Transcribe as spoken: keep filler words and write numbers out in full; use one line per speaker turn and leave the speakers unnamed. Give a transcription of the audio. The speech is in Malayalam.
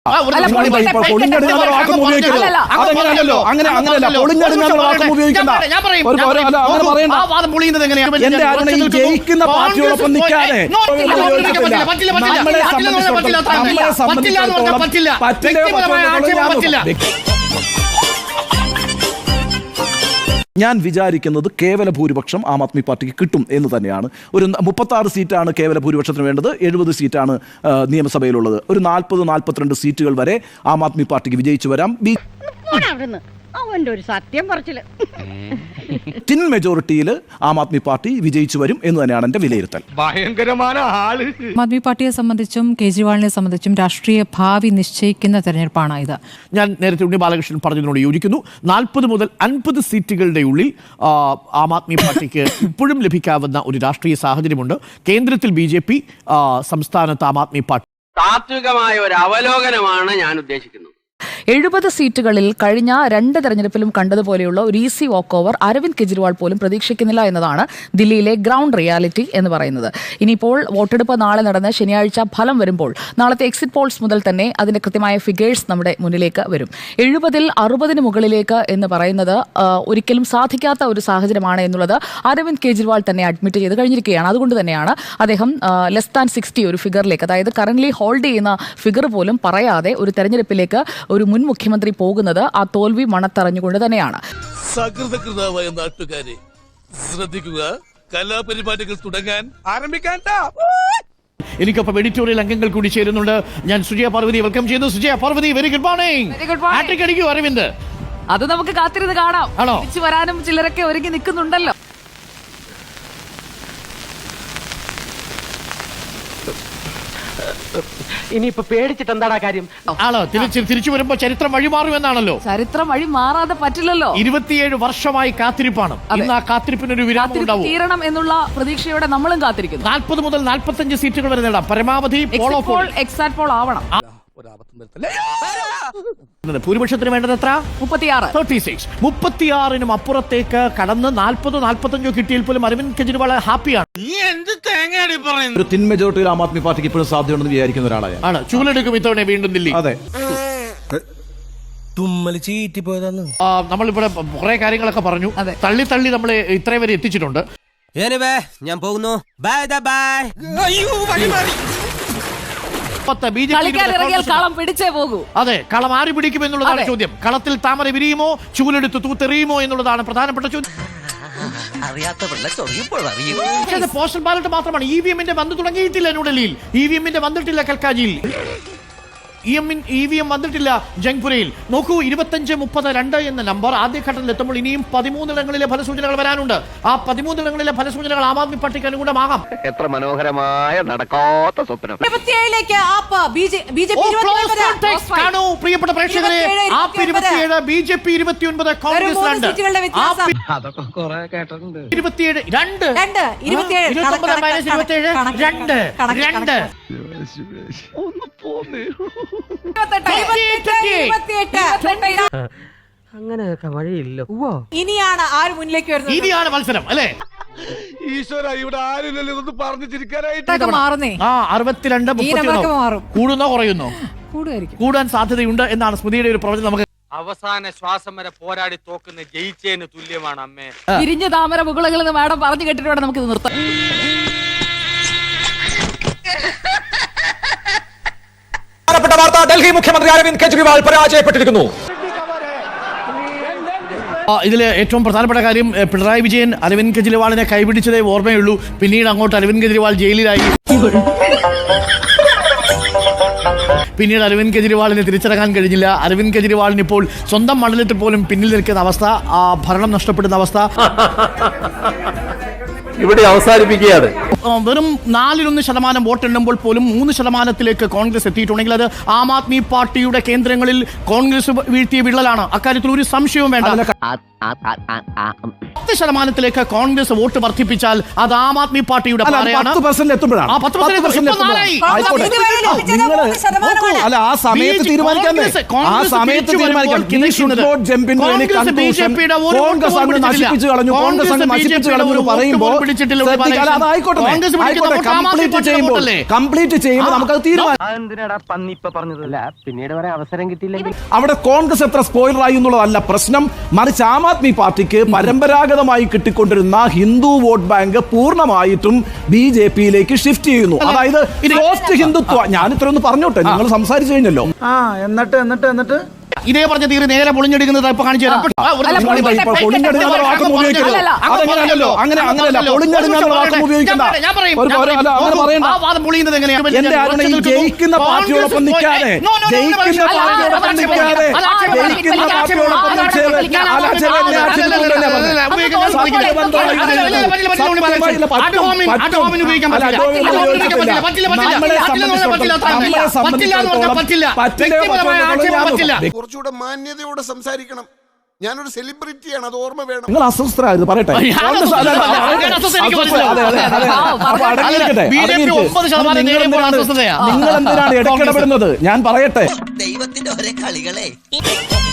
പൊളിഞ്ഞടുങ്ങാനുള്ള വാക്കും ഉപയോഗിക്കരുത്. അതങ്ങനെയല്ലോ, അങ്ങനെ അങ്ങനെയല്ല. പൊളിഞ്ഞടുങ്ങാനുള്ള വാക്കും ഉപയോഗിക്കണ്ട. എന്റെ ആരുടെ ഈ ജയിക്കുന്ന പാർട്ടിയോടൊപ്പം നിൽക്കാതെ നമ്മളെ സംബന്ധിച്ചിടത്തോളം പറ്റില്ല. ഞാൻ വിചാരിക്കുന്നത് കേവല ഭൂരിപക്ഷം ആം ആദ്മി പാർട്ടിക്ക് കിട്ടും എന്ന് തന്നെയാണ്. ഒരു മുപ്പത്തി ആറ് സീറ്റാണ് കേവല ഭൂരിപക്ഷത്തിന് വേണ്ടത്, എഴുപത് സീറ്റാണ് നിയമസഭയിലുള്ളത്. ഒരു നാൽപ്പത് നാൽപ്പത്തിരണ്ട് സീറ്റുകൾ വരെ ആം ആദ്മി പാർട്ടിക്ക് വിജയിച്ചു വരാം.
അവന്റെ ഒരു സത്യം പറച്ചില്
ടിൻ മെജോറിറ്റിയിൽ ആം ആദ്മി പാർട്ടി വിജയിച്ചു വരും എന്ന് തന്നെയാണ് എന്റെ വിലയിരുത്തൽ.
ഭയങ്കരമായ ആള്.
ആം ആദ്മി പാർട്ടിയെ സംബന്ധിച്ചും കേജ്രിവാളിനെ സംബന്ധിച്ചും രാഷ്ട്രീയ ഭാവി നിശ്ചയിക്കുന്ന തെരഞ്ഞെടുപ്പാണ് ഇത്.
ഞാൻ നേരത്തെ ഉണ്ണി ബാലകൃഷ്ണൻ പറഞ്ഞതിനോട് യോജിക്കുന്നു. നാൽപ്പത് മുതൽ അൻപത് സീറ്റുകളുടെ ഉള്ളിൽ ആം ആദ്മി പാർട്ടിക്ക് ഇപ്പോഴും ലഭിക്കാവുന്ന ഒരു രാഷ്ട്രീയ സാഹചര്യമുണ്ട്. കേന്ദ്രത്തിൽ ബി ജെ പി, സംസ്ഥാനത്ത് ആം ആദ്മി പാർട്ടി.
താത്വികമായ ഒരു അവലോകനമാണ് ഞാൻ ഉദ്ദേശിക്കുന്നത്.
എഴുപത് സീറ്റുകളിൽ കഴിഞ്ഞ രണ്ട് തെരഞ്ഞെടുപ്പിലും കണ്ടതുപോലെയുള്ള ഒരു easy walk over Arvind Kejriwal പോലും പ്രതീക്ഷിക്കുന്നില്ല എന്നതാണ് ദില്ലിയിലെ ഗ്രൗണ്ട് റിയാലിറ്റി എന്ന് പറയുന്നത്. ഇനിയിപ്പോൾ വോട്ടെടുപ്പ് നാളെ നടന്ന് ശനിയാഴ്ച ഫലം വരുമ്പോൾ നാളത്തെ എക്സിറ്റ് പോൾസ് മുതൽ തന്നെ അതിന്റെ കൃത്യമായ ഫിഗേഴ്സ് നമ്മുടെ മുന്നിലേക്ക് വരും. എഴുപതിൽ അറുപതിന് മുകളിലേക്ക് എന്ന് പറയുന്നത് ഒരിക്കലും സാധിക്കാത്ത ഒരു സാഹചര്യമാണ് എന്നുള്ളത് അരവിന്ദ് കെജ്രിവാൾ തന്നെ അഡ്മിറ്റ് ചെയ്ത് കഴിഞ്ഞിരിക്കുകയാണ്. അതുകൊണ്ട് തന്നെയാണ് അദ്ദേഹം ലെസ് ദാൻ സിക്സ്റ്റി ഒരു ഫിഗറിലേക്ക്, അതായത് കറന്റ്ലി ഹോൾഡ് ചെയ്യുന്ന ഫിഗർ പോലും പറയാതെ ഒരു തെരഞ്ഞെടുപ്പിലേക്ക് ഒരു മുൻ മുഖ്യമന്ത്രി പോകുന്നത് ആ തോൽവി മണത്തറിഞ്ഞുകൊണ്ട് തന്നെയാണ്.
സകൃതകൃതമായ നാട്ടുകാരെ ശ്രദ്ധിക്കുക, കലാപരിപാടികൾ തുടങ്ങാൻ ആരംഭിക്കാൻ.
എനിക്കൊപ്പം എഡിറ്റോറിയൽ അംഗങ്ങൾ കൂടി ചേരുന്നുണ്ട്. ഞാൻ സുജയ പാർവതി വെൽക്കം ചെയ്യുന്നു. Sujaya Parvathi, very good morning. Hattrick അടിക്കൂ അരവിന്ദ്.
അത് നമുക്ക് കാത്തിരുന്ന് കാണാം. തിരിച്ചു വരാനും ചിലരൊക്കെ ഒരുങ്ങി നിൽക്കുന്നുണ്ടല്ലോ.
ഇനിയിപ്പോ പേടിച്ചിട്ട് എന്താടാ കാര്യം?
ആണോ? തിരിച്ചു വരുമ്പോ ചരിത്രം വഴിമാറുമെന്നാണല്ലോ.
ചരിത്രം വഴി മാറാതെ പറ്റില്ലല്ലോ.
ഇരുപത്തിയേഴ് വർഷമായി കാത്തിരിപ്പാണ്. ഇന്ന് ആ കാത്തിരിപ്പിനൊരു വിരാമം ഉണ്ടാവും.
തീരണം എന്നുള്ള പ്രതീക്ഷയോടെ നമ്മളും കാത്തിരിക്കുന്നു.
നാൽപ്പത് മുതൽ നാൽപ്പത്തഞ്ച് സീറ്റുകൾ വരെ നേടാം. പരമാവധി
എക്സാറ്റ് പോൾ ആവണം.
ഭൂരിപക്ഷത്തിന് വേണ്ടത് എത്ര?
മുപ്പത്തിയാറ്.
Thirty six. മുപ്പത്തിയാറിനും അപ്പുറത്തേക്ക് കടന്ന് നാൽപ്പതോ നാൽപ്പത്തഞ്ചോ കിട്ടിയാൽ പോലും അരവിന്ദ് കെജ്രിവാൾ ഹാപ്പിയാണ്.
ഒരു തിൻ മെജോറിറ്റിയിൽ ആം ആദ്മി പാർട്ടിക്ക് ഇപ്പോഴും സാധ്യതയുണ്ടെന്ന് വിചാരിക്കുന്ന ഒരാളാണ്.
ആണ് ചൂലെടുക്കും ഇത്തവണ വീണ്ടും ദില്ലി.
അതെ,
നമ്മളിവിടെ കുറെ കാര്യങ്ങളൊക്കെ പറഞ്ഞു. തള്ളി തള്ളി നമ്മളെ ഇത്രയും വരെ എത്തിച്ചിട്ടുണ്ട്.
ഞാൻ പോകുന്നു. Bye bye.
അതെ, കളം ആര് പിടിക്കും എന്നുള്ളതാണ് ചോദ്യം. കളത്തിൽ താമര വിരിയുമോ ചൂലെടുത്ത് തൂത്തെറിയുമോ എന്നുള്ളതാണ് പ്രധാനപ്പെട്ട ചോദ്യം. പോസ്റ്റൽ ബാലറ്റ് മാത്രമാണ്. ഇ വി എമ്മിന്റെ വന്നു തുടങ്ങിയിട്ടില്ല ന്യൂഡൽഹിയിൽ. ഇ വി എമ്മിന്റെ വന്നിട്ടില്ല കൽക്കാജിയിൽ. ഇ വി എം വന്നിട്ടില്ല ജംഗ്പുരയിൽ. നോക്കൂ, ഇരുപത്തഞ്ച് മുപ്പത് രണ്ട് എന്ന നമ്പർ ആദ്യഘട്ടത്തിൽ എത്തുമ്പോൾ ഇനിയും പതിമൂന്നിടങ്ങളിലെ ഫലസൂചനകൾ വരാനുണ്ട്. ആ പതിമൂന്നിടങ്ങളിലെ ഫലസൂചനകൾ ആം ആദ്മി പാർട്ടിക്ക് അനുകൂലമാകാം.
എത്ര മനോഹരമായ നടക്കാത്ത സ്വപ്നം.
കാണൂ പ്രിയപ്പെട്ട പ്രേക്ഷകരെ, ആപ്പ് ഇരുപത്തിയേഴ്, ബി ജെ പി ഇരുപത്തിയൊൻപത്, കോൺഗ്രസ് രണ്ട്. ഇരുപത്തിയേഴ് രണ്ട് ഇരുപത്തൊമ്പത് മൈനസ് ഇരുപത്തിയേഴ് രണ്ട് രണ്ട്.
അങ്ങനെയൊക്കെ വഴിയില്ല.
ഇനിയാണ് ആര് മുന്നിലേക്ക് വരുന്നത്?
ഇനിയാണ് മത്സരം അല്ലേ?
ഈശ്വര, ഇവിടെ ആരില്ലല്ലോ ഇതൊന്ന് പറഞ്ഞു ചിരിക്കാനായിട്ട്.
മാറുന്നേ.
ആ അറുപത്തിരണ്ട് മുപ്പത്തിയൊന്നോ കൂടുന്നോ കുറയുന്നോ? കൂടാൻ സാധ്യതയുണ്ട് എന്നാണ് സ്മൃതിയുടെ ഒരു പ്രവചനം. നമുക്ക്
അവസാന ശ്വാസം വരെ പോരാടി തോക്കുന്ന ജയിച്ചതിന് തുല്യമാണ് അമ്മേ.
തിരിഞ്ഞ താമര മുകളകളിൽ നിന്ന് മാഡം പറഞ്ഞു കേട്ടിട്ട് നമുക്ക് നിർത്താം.
ഡൽഹി മുഖ്യമന്ത്രി അരവിന്ദ് കെജ്രിവാൾ പരാജയപ്പെട്ടിരിക്കുന്നു.
ഇതിൽ ഏറ്റവും പ്രധാനപ്പെട്ട കാര്യം, പിണറായി വിജയൻ അരവിന്ദ് കെജ്രിവാളിനെ കൈപിടിച്ചതേ ഓർമ്മയുള്ളൂ. പിന്നീട് അങ്ങോട്ട് അരവിന്ദ് കെജ്രിവാൾ ജയിലിലായി. പിന്നീട് അരവിന്ദ് കെജ്രിവാളിനെ തിരിച്ചടക്കാൻ കഴിഞ്ഞില്ല. അരവിന്ദ് കെജ്രിവാളിന് ഇപ്പോൾ സ്വന്തം മണ്ഡലത്തിൽ പോലും പിന്നിൽ നിൽക്കുന്ന അവസ്ഥ, ആ ഭരണം നഷ്ടപ്പെടുന്ന അവസ്ഥ
ഇവിടെ അവസാനിപ്പിക്കുകയാണ്.
വെറും നാലിലൊന്ന് ശതമാനം വോട്ടെണ്ണുമ്പോൾ പോലും മൂന്ന് ശതമാനത്തിലേക്ക് കോൺഗ്രസ് എത്തിയിട്ടുണ്ടെങ്കിൽ അത് ആം ആദ്മി പാർട്ടിയുടെ കേന്ദ്രങ്ങളിൽ കോൺഗ്രസ് വീഴ്ത്തിയ വിള്ളലാണ്. അക്കാര്യത്തിൽ ഒരു സംശയവും വേണ്ട. പത്ത് ശതമാനത്തിലേക്ക് കോൺഗ്രസ് വോട്ട് വർദ്ധിപ്പിച്ചാൽ അത് ആം ആദ്മി പാർട്ടിയുടെ
അല്ല,
പാരയാണ്.
പത്ത് പെർസെന്റ് എത്തുമ്പോഴാണ്
ആ, പത്ത് പെർസെന്റ്
പത്ത് പെർസെന്റ്
ഇപ്പോ നാലായി.
ആയിക്കോട്ടെ. നിങ്ങള് അല്ല ആ സമയത്ത് തീരുമാനിക്കാമേ ആ സമയത്ത് തീരുമാനിക്കാം. You should not jump into any conclusion. Congress അങ്ങ് നശിപ്പിച്ചു കളഞ്ഞു കോൺഗ്രസ് അങ്ങ് നശിപ്പിച്ചു കളഞ്ഞു എന്ന് പറയുമ്പോൾ ശ്രദ്ധിക്കുക. അത് ആയിക്കോട്ടെ ആയിക്കോട്ടെ കംപ്ലീറ്റ് ചെയ്യുമ്പോൾ കംപ്ലീറ്റ് ചെയ്യുമ്പോൾ നമുക്കത് തീരുമാനിക്കാം.
പിന്നീട് വരെ അവസരം കിട്ടിയില്ലെങ്കിൽ
അവിടെ കോൺഗ്രസ് എത്ര സ്പോയിലറായി എന്നുള്ളതല്ല പ്രശ്നം, മറിച്ച് ആം ആദ്മി പാർട്ടിക്ക് പരമ്പരാഗതമായി കിട്ടിക്കൊണ്ടിരുന്ന ഹിന്ദു വോട്ട് ബാങ്ക് പൂർണ്ണമായിട്ടും ബി ജെ പിയിലേക്ക് ഷിഫ്റ്റ് ചെയ്യുന്നു. അതായത് പോസ്റ്റ് ഹിന്ദുത്വ. ഞാൻ ഇത്ര ഒന്ന് പറഞ്ഞോട്ടെ, നിങ്ങൾ സംസാരിച്ചു കഴിഞ്ഞല്ലോ.
എന്നിട്ട് എന്നിട്ട് എന്നിട്ട്
ഇതേ പറഞ്ഞ തീരെ നേരെ പൊളിഞ്ഞെടുക്കുന്നത് ഇപ്പൊ കാണിച്ചു തരാം.
അല്ല,
ഇപ്പോൾ പൊളിഞ്ഞെടുക്കുന്ന വാക്ക് ഉപയോഗിക്കരുത്. അതെങ്ങനെയല്ലോ അങ്ങനെ അങ്ങനെയല്ല പൊളിഞ്ഞെടുക്കുന്ന വാക്ക് ഉപയോഗിക്കണ്ട.
ഞാൻ പറയും,
ഒരു- ഒരു- അല്ല, അങ്ങനെ പറയണ്ട.
ആ വാദം പൊളിയുന്നത് എങ്ങനെയാണ്?
എന്റെ ആരുടെ ഈ ജയിക്കുന്ന പാർട്ടിയോടൊപ്പം നിൽക്കാതെ ജയിക്കുന്ന പാർട്ടിയോടൊപ്പം നിൽക്കാതെ ജയിക്കുന്ന പാർട്ടിയോടൊപ്പം
കുറച്ചുകൂടെ മാന്യതയോടെ സംസാരിക്കണം. ഞാനൊരു സെലിബ്രിറ്റിയാണ്, അത് ഓർമ്മ വേണം.
നിങ്ങൾ അസ്വസ്ഥരായിരുന്നു പറയട്ടെ. അപ്പൊ അടങ്ങിയിരിക്കട്ടെ. നിങ്ങൾ എന്തിനാണ് ഇടയ്ക്കിടപെടുന്നത്? ഞാൻ പറയട്ടെ.
ദൈവത്തിന്റെ ഒരേ കളികളെ